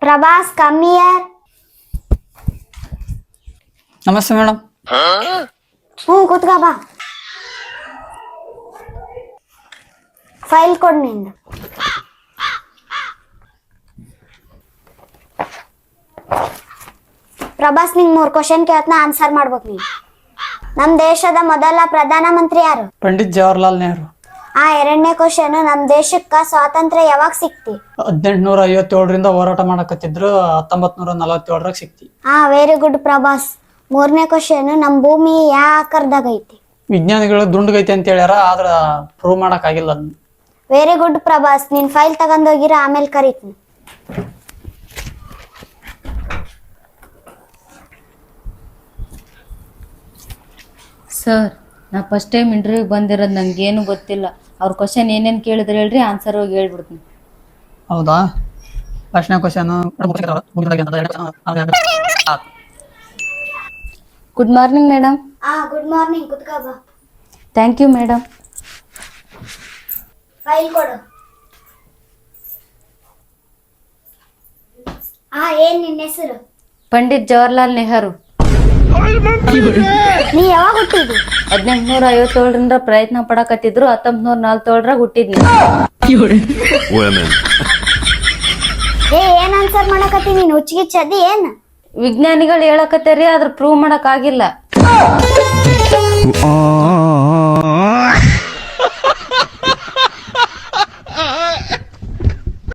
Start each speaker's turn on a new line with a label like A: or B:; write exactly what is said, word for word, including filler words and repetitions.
A: Prabhas come here.
B: ನಮಸ್ತೆ madam.
A: ಹ್ಞೂ ಕೂತ್ಕ ಬಾ. ಫೈಲ್ ಕೊಡ್ ನಿಂದು. ಪ್ರಭಾಸ್ ನಿಂಗೆ ಮೂರು ಕ್ವಶನ್ ಕೇಳ್ತನ ಆನ್ಸರ್ ಮಾಡ್ಬೇಕು ನೀನು. ನಮ್ಮ ದೇಶದ ಮೊದಲ ಪ್ರಧಾನ ಮಂತ್ರಿ ಯಾರು?
B: ಪಂಡಿತ್ ಜವಾಹರ್ಲಾಲ್ ನೆಹರು.
A: ಆ ಎರಡನೇ ಕ್ವಶನ್, ನಮ್ಮ ದೇಶಕ್ಕ ಸ್ವಾತಂತ್ರ್ಯ ಯಾವಾಗ ಸಿಕ್ತಿ?
B: ಹದಿನೆಂಟುನೂರ ಐವತ್ತೇಳರಿಂದ ಹೋರಾಟ ಮಾಡಕತ್ತಿದ್ರು, ಹತ್ತೊಂಬತ್ ನೂರ ನಲವತ್ತೇಳರಾಗ ಸಿಕ್ತಿ.
A: ಹಾ ವೆರಿ ಗುಡ್ ಪ್ರಭಾಸ್. ಮೂರನೇ ಕ್ವಶನ್, ನಮ್ಮ ಭೂಮಿ ಯಾವ ಆಕಾರದಾಗ ಐತಿ?
B: ವಿಜ್ಞಾನಿಗಳು ದುಂಡ್ಗೈತಿ ಅಂತ ಹೇಳ್ಯಾರ, ಆದ್ರ ಪ್ರೂವ್ ಮಾಡಕ್ ಆಗಿಲ್ಲ ಅದನ್ನ.
A: Very good Prabhas. ನಿನ್ ಫೈಲ್ ತಗೊಂಡೋಗಿರ, ಆಮೇಲೆ ಕರೀತೀನಿ.
C: ಸರ್, ನಾ ಫಸ್ಟ್ ಟೈಮ್ ಇಂಟರ್ವ್ಯೂಗೆ ಬಂದಿರೋದು, ನಂಗೇನು ಗೊತ್ತಿಲ್ಲ. ಅವ್ರ ಕ್ವಶನ್ ಏನೇನು ಕೇಳಿದ್ರೆ ಹೇಳ್ರಿ, ಆನ್ಸರ್ ಹೋಗಿ ಹೇಳ್ಬಿಡ್ತೀನಿ.
B: ಹೌದಾ? ಫಸ್ಟ್ನೇ ಕ್ವಶನ್,
C: ಗುಡ್ ಮಾರ್ನಿಂಗ್ ಮೇಡಮ್.
A: ಹಾ ಗುಡ್ ಮಾರ್ನಿಂಗ್, ಕುತ್ಕೋ ಬಾ.
C: Thank you madam.
A: ಫೈಲ್ ಕೊಡು. ಹಾ ಏನ್ ನಿನ್ನ ಹೆಸರು?
C: ಪಂಡಿತ್ ಜವಾಹರ್ಲಾಲ್ ನೆಹರು.
A: ನೀ ಯಾವಾಗ ಹುಟ್ಟಿದ್ದಿ?
C: ಹದಿನೆಂಟುನೂರ ಐವತ್ತೇಳರಿಂದ ಪ್ರಯತ್ನ ಪಡಕತ್ತಿದ್ರು, ಹತ್ತೊಂಬತ್ ನೂರ ನಲ್ವತ್ತೇಳರಾಗ ಹುಟ್ಟಿದ್ನಿ.
A: ಏ ಏನ್ ಆನ್ಸರ್ ಮಾಡಕತ್ತಿ ನೀನು? ಹುಚ್ಚಿಗಿಚ್ಚದಿ ಏನ್?
C: ವಿಜ್ಞಾನಿಗಳು ಹೇಳಕತ್ತಾರಿ, ಆದ್ರ ಪ್ರೂವ್ ಮಾಡಕ್ ಆಗಿಲ್ಲ.